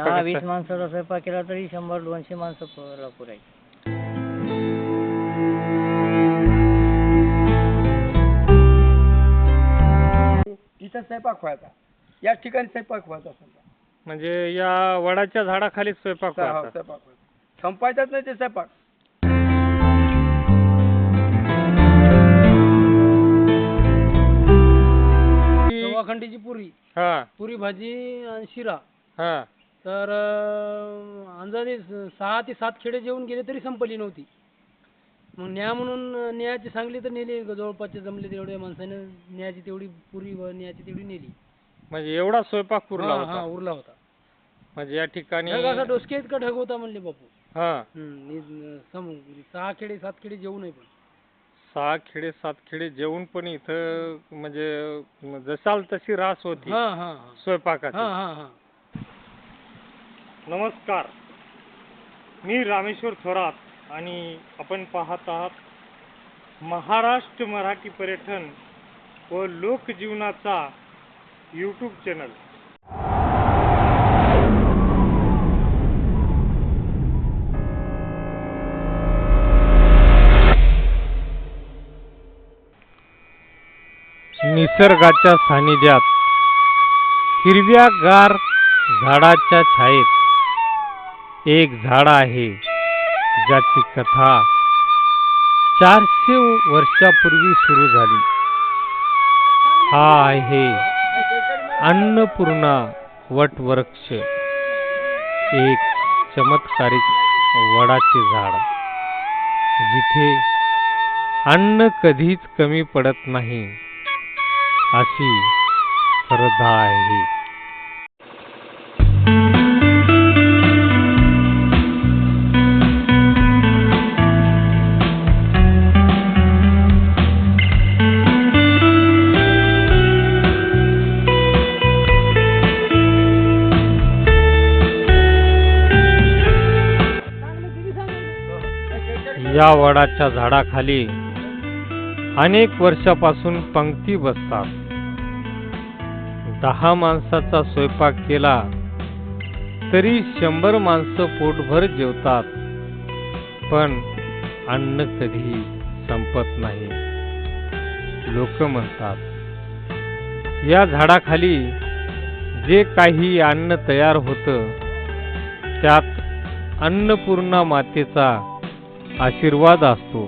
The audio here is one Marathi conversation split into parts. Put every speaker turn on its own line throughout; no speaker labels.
स्वयंपाक? 20 माणसाचा स्वयंपाक केला तरी 100-200 माणसं पुरायची.
इथं स्वयंपाक व्हायचा, या ठिकाणी स्वयंपाक व्हायचा समजा.
म्हणजे या वडाच्या झाडाखाली स्वयंपाक व्हायचा.
स्वयंपाक संपायचाच नाही ते स्वयंपाक. खंडीची पुरी, पुरी भाजी आणि शिरा. तर अंदाजे 6 ते 7 खेडे जेवून गेले तरी संपली नव्हती. मग न्या म्हणून न्यायची सांगली तर नेली, जवळपासचे जमले तेवढ्या माणसाने न्यायची तेवढी पुरी व न्यायची तेवढी नेली.
म्हणजे एवढा स्वयंपाक उरला होता.
उरला होता.
म्हणजे या ठिकाणी
असा डोसके इतका ढग होता म्हणले बापू. 6 खेडे 7 खेडे जेवू नये, पण
6 खेडे 7 खेडे जेवून पण इथं म्हणजे जसाल तशी रास होती स्वयंपाकाची. नमस्कार, मी रामेश्वर थोरात आणि आपण पाहत आहात महाराष्ट्र मराठी पर्यटन व लोकजीवनाचा यूट्यूब चॅनल. निसर्गाच्या सानिध्यात हिरव्यागार झाडाच्या छायेत एक झाड आहे ज्याची कथा 400 वर्षापूर्वी सुरू झाली. हा आहे अन्नपूर्णा वटवृक्ष, एक चमत्कारिक वडाचे झाड जिथे अन्न कधीच कमी पडत नाही अशी श्रद्धा आहे. या वडाच्या झाडाखाली अनेक वर्षापासून पंक्ती बसतात. 10 माणसाचा स्वयंपाक केला तरी 100 माणसं पोटभर जेवतात, पण अन्न कधी संपत नाही. लोक म्हणतात या झाडाखाली जे काही अन्न तयार होतं त्यात अन्नपूर्णा मातेचा आशीर्वाद असतो.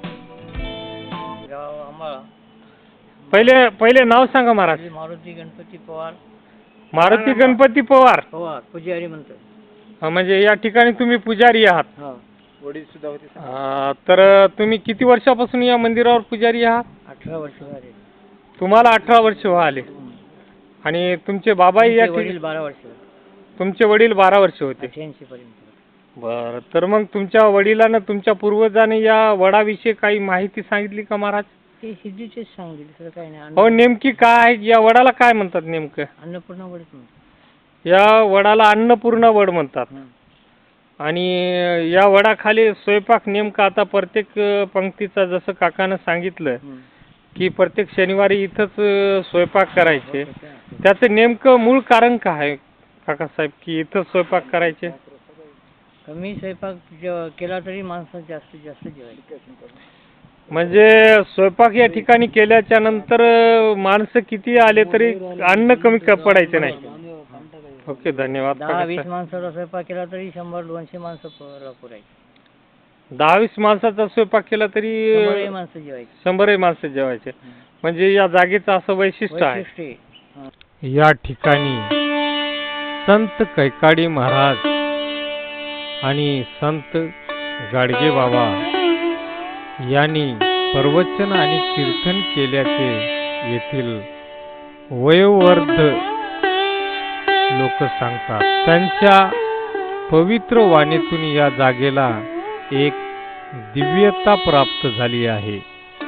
पहिले नाव सांगा महाराज.
मारुती गणपती पवार.
मारुती गणपती पवार
पुजारी म्हणतात.
म्हणजे या ठिकाणी तुम्ही पुजारी आहात.
वडील सुद्धा होते.
तर तुम्ही किती वर्षापासून या मंदिरावर पुजारी आहात?
18 वर्ष झाले.
तुम्हाला 18 वर्ष आले. आणि तुमचे बाबाही या
वडील 12 वर्ष.
तुमचे वडील 12 वर्ष होते.
88 पर्यंत.
बरं, तर मग तुमच्या वडिलांना तुमच्या पूर्वजांनी या वडाविषयी काही माहिती सांगितली का महाराज?
ते सिद्धीचेच सांगितले, काय नाही.
हो, नेमकी काय या वडाला काय म्हणतात नेमकं?
अन्नपूर्णा वड म्हणतात.
या वडाला अन्नपूर्णा वड म्हणतात. आणि या वडाखाली स्वयंपाक नेमका आता प्रत्येक पंक्तीचा जसं काकानं सांगितलं की प्रत्येक शनिवारी इथंच स्वयंपाक करायचे, त्याचं नेमकं मूळ कारण काय आहे काकासाहेब की इथं स्वयंपाक करायचे?
कमी स्वयंपाक केला तरी माणसं जास्तीत जास्त जेवायचे.
म्हणजे स्वयंपाक या ठिकाणी केल्याच्या नंतर माणसं किती आले तरी अन्न कमी पडायचे नाही. ओके, धन्यवाद.
10-20 माणसाचा स्वयंपाक केला तरी 100-200 माणसं पुरायची.
10-20 माणसाचा स्वयंपाक केला तरी
100 माणसं जेवायची.
100 माणसं जेवायचे. म्हणजे या जागेचं असं वैशिष्ट्य आहे. या ठिकाणी संत कैकाडी महाराज आणि संत गाडगे बाबा यांनी प्रवचन आणि कीर्तन केल्याचे येथील वयोवृद्ध लोक सांगतात. त्यांच्या पवित्र वाणीतून या जागेला एक दिव्यता प्राप्त झाली आहे.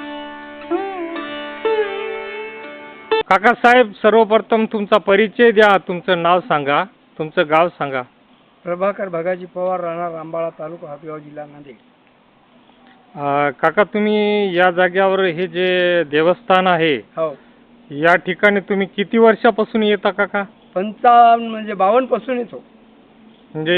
काकासाहेब, सर्वप्रथम तुमचा परिचय द्या. तुमचं नाव सांगा, तुमचं गाव सांगा.
प्रभाकर भगाजी पवार, राहणार रामबाळा, तालुका हातगाव, जिल्हा नांदेड.
काका, तुम्ही या जागेवर हे जे देवस्थान आहे,
हो,
या ठिकाणी तुम्ही किती वर्षापासून येता काका?
55 म्हणजे 52 पासून येतो.
म्हणजे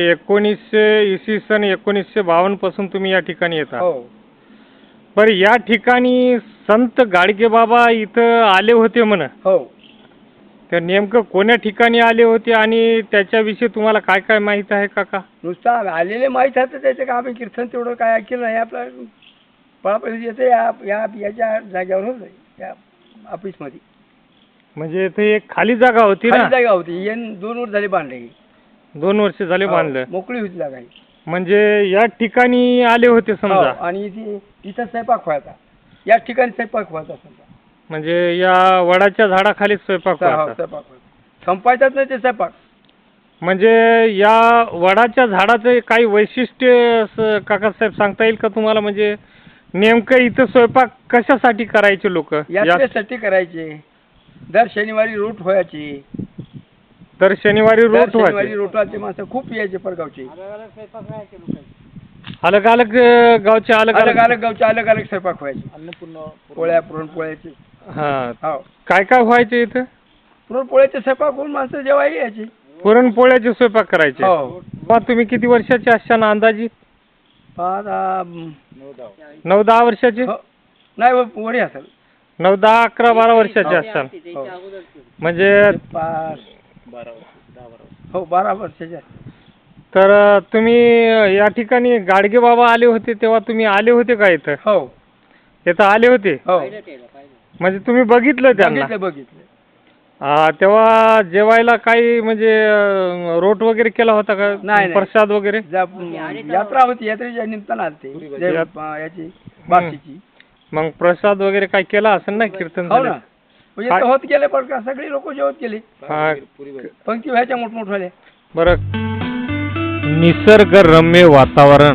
1952 पासून तुम्ही या ठिकाणी येता.
हो.
बरं, या ठिकाणी संत गाडगे बाबा इथं आले होते म्हण.
हो.
तर नेमकं कोण्या ठिकाणी आले होते आणि त्याच्याविषयी तुम्हाला काय काय माहित आहे काका?
नुसतं आलेले माहीत आहे, तर त्याचं काय आम्ही कीर्तन तेवढं काय ऐकलं नाही. आपलं पळापळी येते याच्या जागेवर होतं, या ऑफिसमध्ये.
म्हणजे इथे एक खाली जागा होती
खाली
ना?
जागा होती. 2 वर्ष झाले बांधले.
2 वर्ष झाले बांधलं.
मोकळी होती जागा ही.
म्हणजे या ठिकाणी आले होते
हो,
समजा.
आणि इथं स्वयंपाक व्हायचा. या ठिकाणी स्वयंपाक व्हायचा समजा.
म्हणजे या वडाच्या झाडाखाली स्वयंपाक
हो,
व्हायचा.
स्वयंपाक व्हायचा. संपायचाच नाही ते स्वयंपाक.
म्हणजे या वडाच्या झाडाचं काही वैशिष्ट्य असं काकासाहेब सांगता येईल का तुम्हाला? म्हणजे नेमकं इथं स्वयंपाक कशासाठी करायचे लोक?
यात्रेसाठी करायचे. दर शनिवारी रूट व्हायची.
तर शनिवारी रोट
शनिवारी
व्हायचे.
रोटाचे माणसं खूप यायचे परगावचे.
अलग अलग गावचे अलग
अलग
अलग.
अलग गावचे अलग अलग स्वयंपाक व्हायचे. पोळ्या, पुरणपोळ्याचे.
हा,
हो,
काय काय व्हायचे इथं?
पुरणपोळ्याचे स्वयंपाक होऊन माणसं जेवायला यायची.
पुरणपोळ्याचे स्वयंपाक करायचे.
हो.
मग तुम्ही किती वर्षाचे असताना अंदाजी? 9-10 वर्षाचे?
हो. नाही वडी असेल.
9-10, 11-12 वर्षाचे
हो.
असताना.
हो.
म्हणजे
12 वर्षाचे.
तर तुम्ही या ठिकाणी गाडगे बाबा आले होते तेव्हा तुम्ही आले होते का इथं?
हो.
इथं आले होते?
हो.
म्हणजे तुम्ही बघितलं त्यांना?
बघितलं.
तेव्हा जेवायला काही म्हणजे रोट वगैरे केला होता का?
नाही.
प्रसाद वगैरे?
यात्रा होती. यात्रेच्या निमित्तानं आलते. याची बाकीची.
मग प्रसाद वगैरे काय केला असेल ना? कीर्तन
हो
झालं?
ना. म्हणजे होत गेले पण का सगळी लोक जेवत गेले.
हा.
पंक्ती व्हायच्या मोठमोठ्याल्या.
बरं, निसर्गरम्य वातावरण,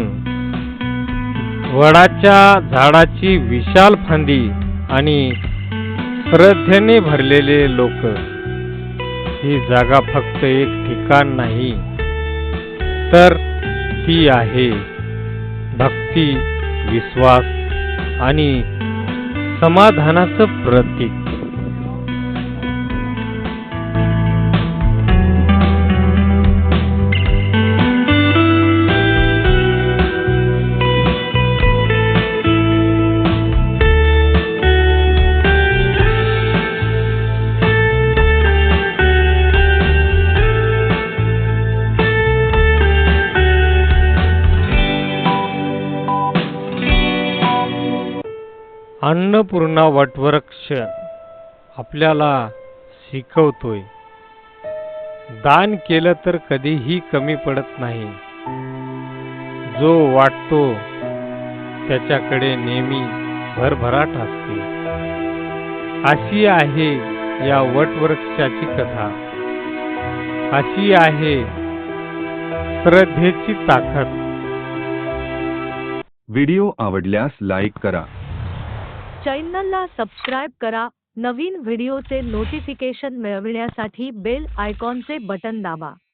वडाच्या झाडाची विशाल फांदी आणि श्रद्धेने भरलेले लोक. ही जागा फक्त एक ठिकाण नाही, तर ती आहे भक्ती, विश्वास आणि समाधानाचं प्रतीक. अन्नपूर्णा वटवृक्ष आपल्याला शिकवतोय, दान केलं तर कधीही कमी पडत नाही. जो वाटतो त्याच्याकडे नेहमी भरभराट असते. अशी आहे या वटवृक्षाची कथा. अशी आहे श्रद्धेची ताकद.
व्हिडिओ आवडल्यास लाईक करा.
चॅनलला सबस्क्राईब करा. नवीन व्हिडिओचे नोटिफिकेशन मिळविण्यासाठी बेल आयकॉनचे बटन दाबा.